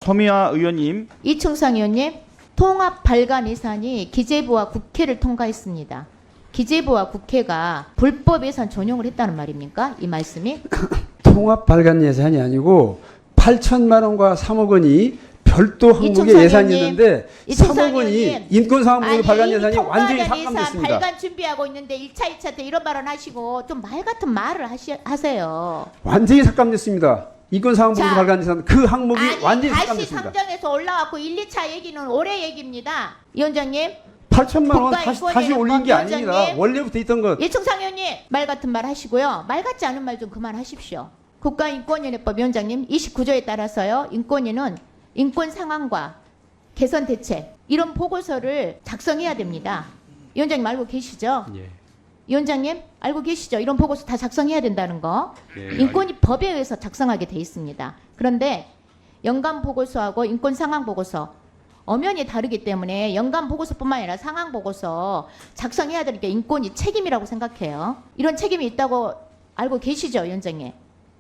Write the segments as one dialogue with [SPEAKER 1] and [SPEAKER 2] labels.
[SPEAKER 1] 서미화 의원님.
[SPEAKER 2] 이충상 의원님, 통합 발간 예산이 기재부와 국회를 통과했습니다. 기재부와 국회가 불법 예산 전용을 했다는 말입니까? 이 말씀이?
[SPEAKER 3] 통합 발간 예산이 아니고 8천만 원과 3억 원이 별도 항목의
[SPEAKER 2] 이충상
[SPEAKER 3] 예산이
[SPEAKER 2] 의원님,
[SPEAKER 3] 있는데
[SPEAKER 2] 이충상
[SPEAKER 3] 3억 원이
[SPEAKER 2] 의원님,
[SPEAKER 3] 인권상황부의 발간 예산이
[SPEAKER 2] 통과
[SPEAKER 3] 완전히
[SPEAKER 2] 발간 예산
[SPEAKER 3] 삭감됐습니다.
[SPEAKER 2] 발간 준비하고 있는데 1차, 2차 때 이런 발언 하시고 좀 말 같은 말을 하세요.
[SPEAKER 3] 완전히 삭감됐습니다. 인권상황부
[SPEAKER 2] 자,
[SPEAKER 3] 발간 예산 그 항목이
[SPEAKER 2] 아니
[SPEAKER 3] 완전히
[SPEAKER 2] 다시
[SPEAKER 3] 삭감됐습니다.
[SPEAKER 2] 상정해서 올라왔고 1, 2차 얘기는 올해 얘기입니다. 위원장님.
[SPEAKER 3] 8천만 원
[SPEAKER 2] 국가
[SPEAKER 3] 다시 올린 게
[SPEAKER 2] 위원장님.
[SPEAKER 3] 아닙니다. 원래부터 있던 것.
[SPEAKER 2] 이충상 의원님 말 같은 말 하시고요. 말 같지 않은 말 좀 그만하십시오. 국가인권위원회법 위원장님 29조에 따라서요. 인권위는 인권 상황과 개선 대책 이런 보고서를 작성해야 됩니다. 위원장님 알고 계시죠?
[SPEAKER 4] 예.
[SPEAKER 2] 위원장님 알고 계시죠? 이런 보고서 다 작성해야 된다는 거.
[SPEAKER 4] 예,
[SPEAKER 2] 인권위 법에 의해서 작성하게 돼 있습니다. 그런데 연간 보고서하고 인권 상황 보고서 엄연히 다르기 때문에 연간 보고서뿐만 아니라 상황 보고서 작성해야 되는 게 인권위 책임이라고 생각해요. 이런 책임이 있다고 알고 계시죠, 위원장님?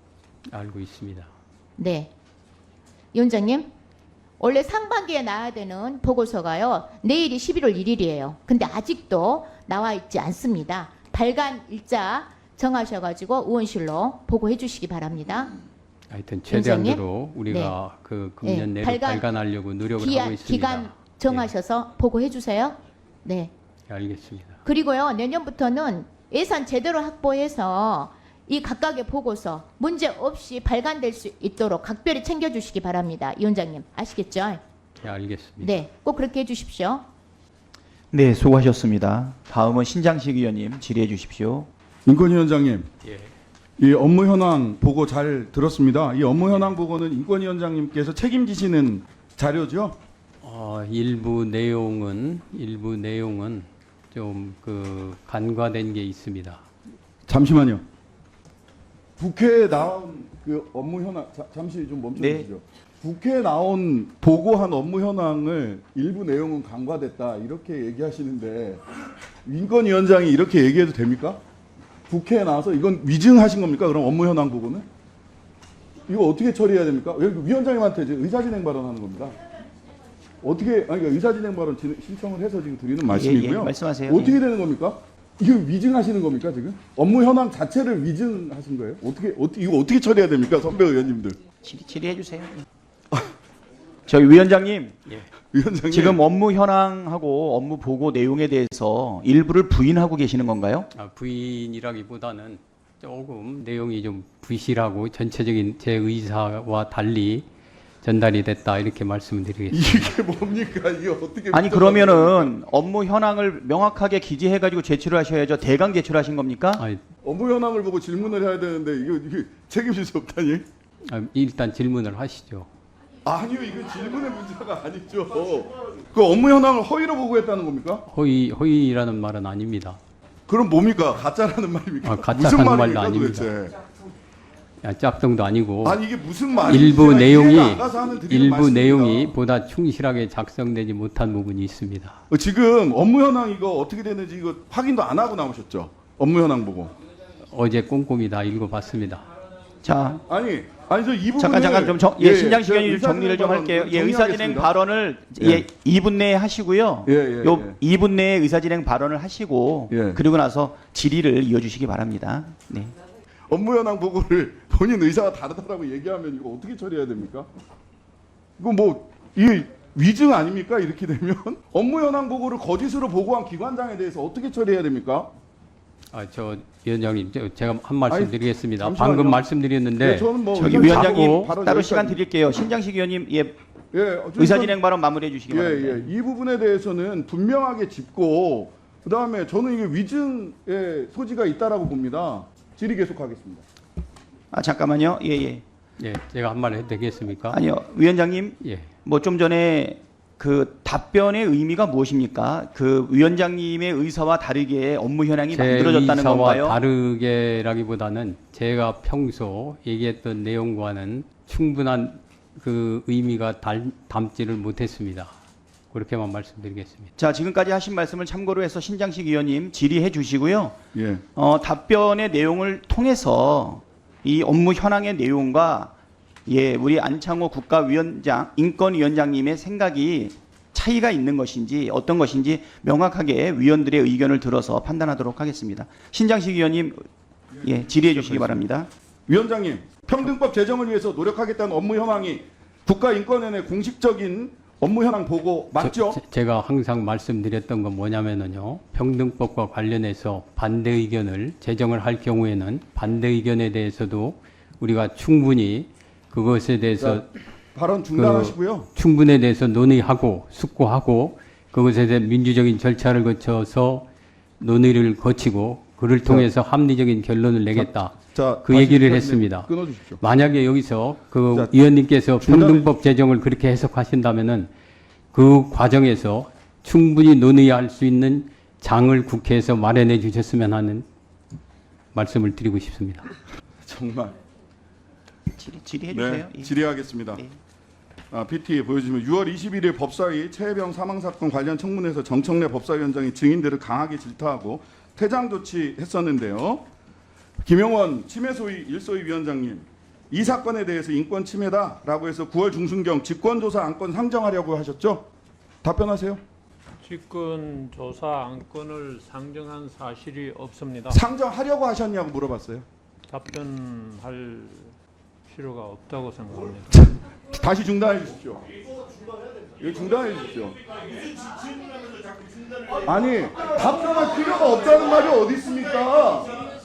[SPEAKER 4] 알고 있습니다.
[SPEAKER 2] 네. 위원장님, 원래 상반기에 나와야 되는 보고서가요. 내일이 11월 1일이에요. 근데 아직도 나와 있지 않습니다. 발간 일자 정하셔가지고 의원실로 보고해 주시기 바랍니다.
[SPEAKER 4] 하여튼
[SPEAKER 2] 위원장님?
[SPEAKER 4] 최대한으로 우리가 그 금년
[SPEAKER 2] 네,
[SPEAKER 4] 내로 발간하려고 노력을 하고 있습니다.
[SPEAKER 2] 기간 정하셔서 보고해 주세요. 네.
[SPEAKER 4] 예, 알겠습니다.
[SPEAKER 2] 그리고요. 내년부터는 예산 제대로 확보해서 이 각각의 보고서 문제 없이 발간될 수 있도록 각별히 챙겨주시기 바랍니다. 위원장님 아시겠죠?
[SPEAKER 4] 예, 알겠습니다.
[SPEAKER 2] 네, 꼭 그렇게 해주십시오.
[SPEAKER 1] 네, 수고하셨습니다. 다음은 신장식 의원님 질의해 주십시오.
[SPEAKER 5] 인권위원장님,
[SPEAKER 4] 예.
[SPEAKER 5] 이 업무 현황 보고 잘 들었습니다. 이 업무 현황 보고는 인권위원장님께서 책임지시는 자료죠?
[SPEAKER 4] 일부 내용은 좀 그 간과된 게 있습니다.
[SPEAKER 5] 잠시만요. 국회에 나온 그 업무 현황 잠시 좀 멈춰주시죠. 국회에 나온 보고한 업무 현황을 일부 내용은 간과됐다 이렇게 얘기하시는데 인권위원장이 이렇게 얘기해도 됩니까? 국회에 나와서 이건 위증하신 겁니까? 그럼 업무 현황 보고는 이거 어떻게 처리해야 됩니까? 위원장님한테 이제 의사진행 발언하는 겁니다. 어떻게 아니 그러니까 의사진행 발언 신청을 해서 지금 드리는 말씀이고요.
[SPEAKER 1] 예, 말씀하세요.
[SPEAKER 5] 어떻게
[SPEAKER 1] 예.
[SPEAKER 5] 되는 겁니까? 이거 위증하시는 겁니까 지금? 업무 현황 자체를 위증하신 거예요? 이거 어떻게 처리해야 됩니까, 선배 의원님들?
[SPEAKER 1] 질의해 주세요. 저희 위원장님,
[SPEAKER 5] 위원장님
[SPEAKER 1] 지금 업무 현황하고 업무 보고 내용에 대해서 일부를 부인하고 계시는 건가요?
[SPEAKER 4] 부인이라기보다는 조금 내용이 좀 부실하고 전체적인 제 의사와 달리 전달이 됐다 이렇게 말씀드리겠습니다.
[SPEAKER 5] 이게 뭡니까? 이게 어떻게?
[SPEAKER 1] 아니 그러면은 업무 현황을 명확하게 기재해 가지고 제출을 하셔야죠. 대강 제출하신 겁니까?
[SPEAKER 5] 업무 현황을 보고 질문을 해야 되는데 이게 책임질 수 없다니?
[SPEAKER 4] 일단 질문을 하시죠.
[SPEAKER 5] 아니요, 이거 질문의 문제가 아니죠. 그 업무 현황을 허위로 보고했다는 겁니까?
[SPEAKER 4] 허위라는 말은 아닙니다.
[SPEAKER 5] 그럼 뭡니까? 가짜라는 말입니까?
[SPEAKER 4] 가짜라는
[SPEAKER 5] 무슨
[SPEAKER 4] 말도
[SPEAKER 5] 말입니까,
[SPEAKER 4] 아닙니다.
[SPEAKER 5] 도대체? 짝퉁도
[SPEAKER 4] 아니고
[SPEAKER 5] 아니 이게 무슨 말이에요?
[SPEAKER 4] 일부 내용이
[SPEAKER 5] 일부
[SPEAKER 4] 보다 충실하게 작성되지 못한 부분이 있습니다.
[SPEAKER 5] 지금 업무 현황 이거 어떻게 되는지 이거 확인도 안 하고 나오셨죠? 업무 현황 보고.
[SPEAKER 4] 어제 꼼꼼히 다 읽어봤습니다.
[SPEAKER 1] 자,
[SPEAKER 5] 아니 저 이 부분
[SPEAKER 1] 잠깐 신장식 의원님 정리를 좀 할게요. 의사진행 발언을 2분 내에 하시고요. 요 2분 내에 의사진행 발언을 하시고 그리고 나서 질의를 이어주시기 바랍니다. 네.
[SPEAKER 5] 업무 현황 보고를 본인 의사가 다르다라고 얘기하면 이거 어떻게 처리해야 됩니까? 이거 뭐 이 위증 아닙니까? 이렇게 되면 업무 현황 보고를 거짓으로 보고한 기관장에 대해서 어떻게 처리해야 됩니까?
[SPEAKER 4] 저 위원장님 제가 한 말씀 드리겠습니다.
[SPEAKER 5] 잠시만요.
[SPEAKER 4] 방금 말씀드렸는데
[SPEAKER 5] 저는 뭐
[SPEAKER 1] 저기 위원장님 따로 시간 드릴게요. 신장식 의원님 의사진행 발언 마무리해 주시기 바랍니다.
[SPEAKER 5] 이 부분에 대해서는 분명하게 짚고 그다음에 저는 이게 위증의 소지가 있다라고 봅니다. 질의 계속하겠습니다.
[SPEAKER 1] 잠깐만요.
[SPEAKER 4] 제가 한 말 해도 되겠습니까?
[SPEAKER 1] 아니요, 위원장님.
[SPEAKER 4] 예.
[SPEAKER 1] 뭐 좀 전에 그 답변의 의미가 무엇입니까? 그 위원장님의 의사와 다르게 업무 현황이 만들어졌다는 건가요?
[SPEAKER 4] 의사와 다르게라기보다는 제가 평소 얘기했던 내용과는 충분한 그 의미가 담지를 못했습니다. 그렇게만 말씀드리겠습니다.
[SPEAKER 1] 자, 지금까지 하신 말씀을 참고로 해서 신장식 의원님 질의해 주시고요.
[SPEAKER 5] 예.
[SPEAKER 1] 답변의 내용을 통해서 이 업무 현황의 내용과 예, 우리 안창호 국가위원장, 인권위원장님의 생각이 차이가 있는 것인지 어떤 것인지 명확하게 위원들의 의견을 들어서 판단하도록 하겠습니다. 신장식 위원님, 예, 질의해 주시기 바랍니다.
[SPEAKER 5] 위원장님, 평등법 제정을 위해서 노력하겠다는 업무 현황이 국가인권위원회 공식적인 업무 현황 보고 맞죠?
[SPEAKER 4] 제가 항상 말씀드렸던 건 뭐냐면은요. 평등법과 관련해서 반대 의견을 제정을 할 경우에는 반대 의견에 대해서도 우리가 충분히 그것에 대해서
[SPEAKER 5] 발언 중단하시고요.
[SPEAKER 4] 충분에 대해서 논의하고 숙고하고 그것에 대한 민주적인 절차를 거쳐서 논의를 거치고 그를 통해서 합리적인 결론을 내겠다. 그 얘기를 했습니다.
[SPEAKER 5] 끊어주십시오.
[SPEAKER 4] 만약에 여기서 그
[SPEAKER 5] 자,
[SPEAKER 4] 위원님께서 평등법 제정을 그렇게 해석하신다면은 그 과정에서 충분히 논의할 수 있는 장을 국회에서 마련해 주셨으면 하는 말씀을 드리고 싶습니다.
[SPEAKER 5] 정말.
[SPEAKER 1] 질의해 주세요.
[SPEAKER 5] 네, 질의하겠습니다.
[SPEAKER 1] 네.
[SPEAKER 5] PT 보여주시면 6월 21일 법사위 최혜병 사망사건 관련 청문회에서 정청래 법사위원장이 증인들을 강하게 질타하고 퇴장 조치했었는데요. 김용원 침해소위 1소위 위원장님, 이 사건에 대해서 인권 침해다라고 해서 9월 중순경 직권조사 안건 상정하려고 하셨죠? 답변하세요.
[SPEAKER 6] 직권조사 안건을 상정한 사실이 없습니다.
[SPEAKER 5] 상정하려고 하셨냐고 물어봤어요.
[SPEAKER 6] 답변할 필요가 없다고 생각합니다.
[SPEAKER 5] 다시 중단해 주십시오. 이거 중단해 주십시오. 아니, 답변할 필요가 없다는 말이 어디 있습니까?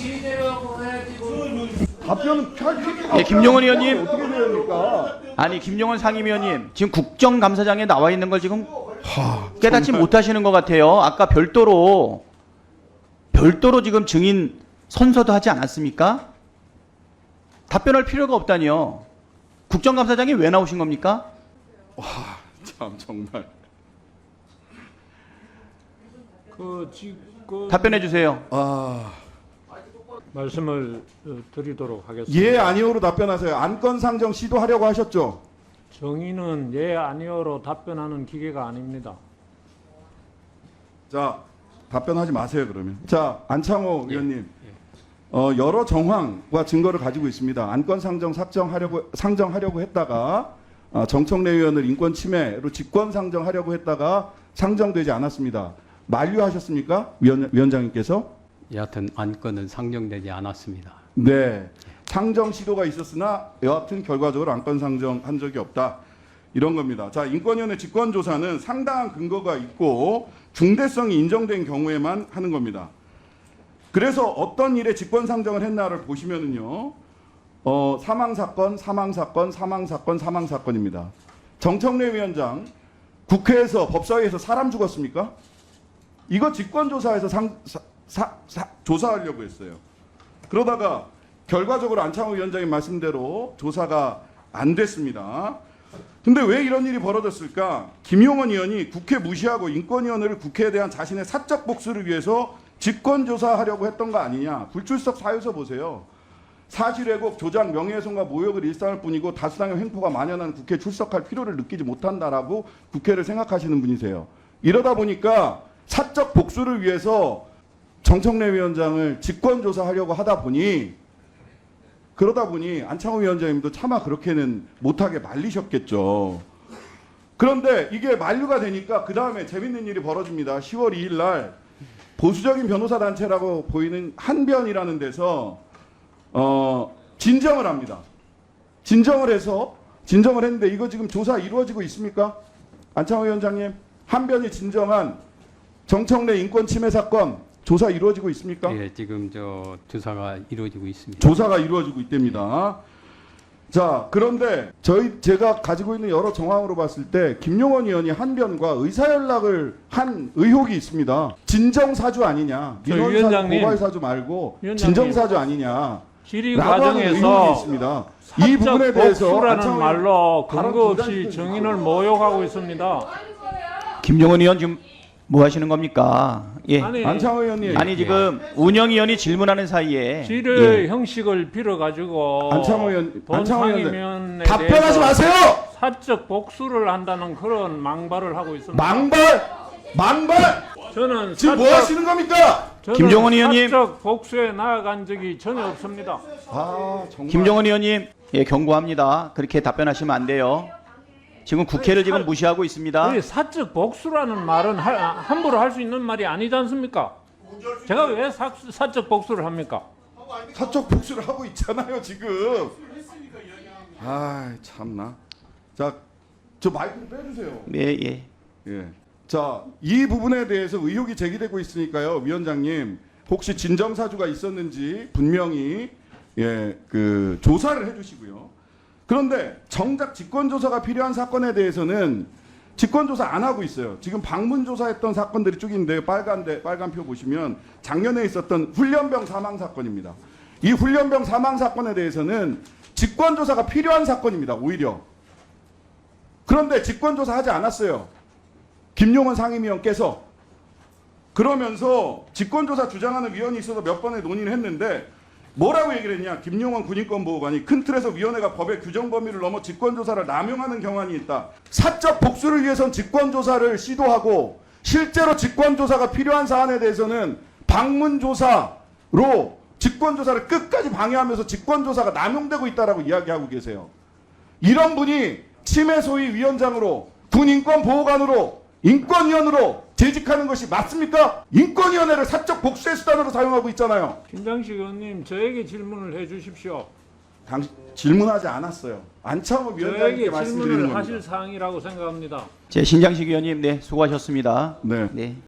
[SPEAKER 5] 답변은 할 필요가
[SPEAKER 1] 예, 김용원 의원님.
[SPEAKER 5] 어떻게 됩니까?
[SPEAKER 1] 아니, 김용원 상임위원님, 지금 국정감사장에 나와 있는 걸 지금 깨닫지 못하시는 것 같아요. 아까 별도로 지금 증인 선서도 하지 않았습니까? 답변할 필요가 없다니요. 국정감사장이 왜 나오신 겁니까?
[SPEAKER 5] 참 정말.
[SPEAKER 1] 답변해 주세요.
[SPEAKER 6] 말씀을 드리도록 하겠습니다.
[SPEAKER 5] 예, 아니오로 답변하세요. 안건 상정 시도하려고 하셨죠?
[SPEAKER 6] 정의는 예, 아니오로 답변하는 기계가 아닙니다.
[SPEAKER 5] 자, 답변하지 마세요 그러면. 자, 안창호 의원님, 여러 정황과 증거를 가지고 있습니다. 안건 상정하려고 했다가 정청래 의원을 인권 침해로 직권 상정하려고 했다가 상정되지 않았습니다. 만류하셨습니까, 위원장님께서?
[SPEAKER 4] 여하튼 안건은 상정되지 않았습니다.
[SPEAKER 5] 네, 상정 시도가 있었으나 여하튼 결과적으로 안건 상정한 적이 없다. 이런 겁니다. 자, 인권위원회 직권조사는 상당한 근거가 있고 중대성이 인정된 경우에만 하는 겁니다. 그래서 어떤 일에 직권 상정을 했나를 보시면은요, 사망사건입니다. 정청래 위원장, 국회에서 법사위에서 사람 죽었습니까? 이거 직권조사에서 조사하려고 했어요. 그러다가 결과적으로 안창호 위원장님 말씀대로 조사가 안 됐습니다. 근데 왜 이런 일이 벌어졌을까? 김용원 의원이 국회 무시하고 인권위원회를 국회에 대한 자신의 사적 복수를 위해서 직권조사하려고 했던 거 아니냐. 불출석 사유서 보세요. 사실 왜곡, 조작, 명예훼손과 모욕을 일삼을 뿐이고 다수당의 횡포가 만연한 국회에 출석할 필요를 느끼지 못한다라고 국회를 생각하시는 분이세요. 이러다 보니까 사적 복수를 위해서 정청래 위원장을 직권조사하려고 그러다 보니 안창호 위원장님도 차마 그렇게는 못하게 말리셨겠죠. 그런데 이게 만류가 되니까 그 다음에 재밌는 일이 벌어집니다. 10월 2일 날 보수적인 변호사 단체라고 보이는 한변이라는 데서 진정을 합니다. 진정을 했는데 이거 지금 조사 이루어지고 있습니까? 안창호 위원장님, 한변이 진정한 정청래 인권 침해 사건 조사 이루어지고 있습니까?
[SPEAKER 4] 예, 지금 조사가 이루어지고 있습니다.
[SPEAKER 5] 조사가 이루어지고 있답니다. 자, 그런데 제가 가지고 있는 여러 정황으로 봤을 때 김용원 의원이 한변과 의사연락을 한 의혹이 있습니다. 진정사주 아니냐, 민원사주, 고발사주 말고 진정사주 아니냐.
[SPEAKER 6] 질의 과정에서
[SPEAKER 5] 있습니다. 이 부분에
[SPEAKER 6] 사적
[SPEAKER 5] 대해서
[SPEAKER 6] 복수라는 말로 근거 없이 증인을 모욕하고 있습니다.
[SPEAKER 1] 김용원 의원 지금 뭐 하시는 겁니까? 예.
[SPEAKER 5] 안창호 의원님.
[SPEAKER 1] 아니 지금 운영위원이 질문하는 사이에
[SPEAKER 6] 질의 형식을 빌어가지고
[SPEAKER 5] 안창호 의원,
[SPEAKER 6] 본상임위원에
[SPEAKER 5] 답변하지 마세요.
[SPEAKER 6] 사적 복수를 한다는 그런 망발을 하고 있습니다.
[SPEAKER 5] 망발!
[SPEAKER 6] 저는
[SPEAKER 5] 지금 뭐 하시는 겁니까?
[SPEAKER 6] 저는
[SPEAKER 1] 김종원 의원님.
[SPEAKER 6] 사적 복수에 나아간 적이 전혀 없습니다.
[SPEAKER 5] 아, 정말.
[SPEAKER 1] 김종원 의원님, 예, 경고합니다. 그렇게 답변하시면 안 돼요. 지금 국회를 지금 무시하고 있습니다.
[SPEAKER 6] 이 사적 복수라는 말은 함부로 할 수 있는 말이 아니지 않습니까? 제가 왜 사적 복수를 합니까?
[SPEAKER 5] 사적 복수를 하고 있잖아요, 지금. 아, 참나. 자, 저 마이크 좀 빼주세요.
[SPEAKER 1] 네, 예.
[SPEAKER 5] 예. 자, 이 부분에 대해서 의혹이 제기되고 있으니까요, 위원장님, 혹시 진정사주가 있었는지 분명히 그 조사를 해주시고요. 그런데 정작 직권조사가 필요한 사건에 대해서는 직권조사 안 하고 있어요. 지금 방문조사했던 사건들이 쭉 있는데 빨간 표 보시면 작년에 있었던 훈련병 사망 사건입니다. 이 훈련병 사망 사건에 대해서는 직권조사가 필요한 사건입니다. 오히려. 그런데 직권조사 하지 않았어요. 김용원 상임위원께서. 그러면서 직권조사 주장하는 위원이 있어서 몇 번의 논의를 했는데 뭐라고 얘기를 했냐. 김용원 군인권보호관이 큰 틀에서 위원회가 법의 규정 범위를 넘어 직권조사를 남용하는 경향이 있다. 사적 복수를 위해선 직권조사를 시도하고 실제로 직권조사가 필요한 사안에 대해서는 방문조사로 직권조사를 끝까지 방해하면서 직권조사가 남용되고 있다라고 이야기하고 계세요. 이런 분이 치매 소위 위원장으로 군인권보호관으로 인권위원으로 재직하는 것이 맞습니까? 인권위원회를 사적 복수의 수단으로 사용하고 있잖아요.
[SPEAKER 6] 김장식 의원님 저에게 질문을 해 주십시오.
[SPEAKER 5] 당신 질문하지 않았어요. 안창호 위원장님께
[SPEAKER 6] 저에게
[SPEAKER 5] 말씀드리는
[SPEAKER 6] 질문을
[SPEAKER 5] 겁니다.
[SPEAKER 6] 하실 사항이라고 생각합니다.
[SPEAKER 1] 제 신장식 의원님, 네, 수고하셨습니다.
[SPEAKER 5] 네.
[SPEAKER 1] 네.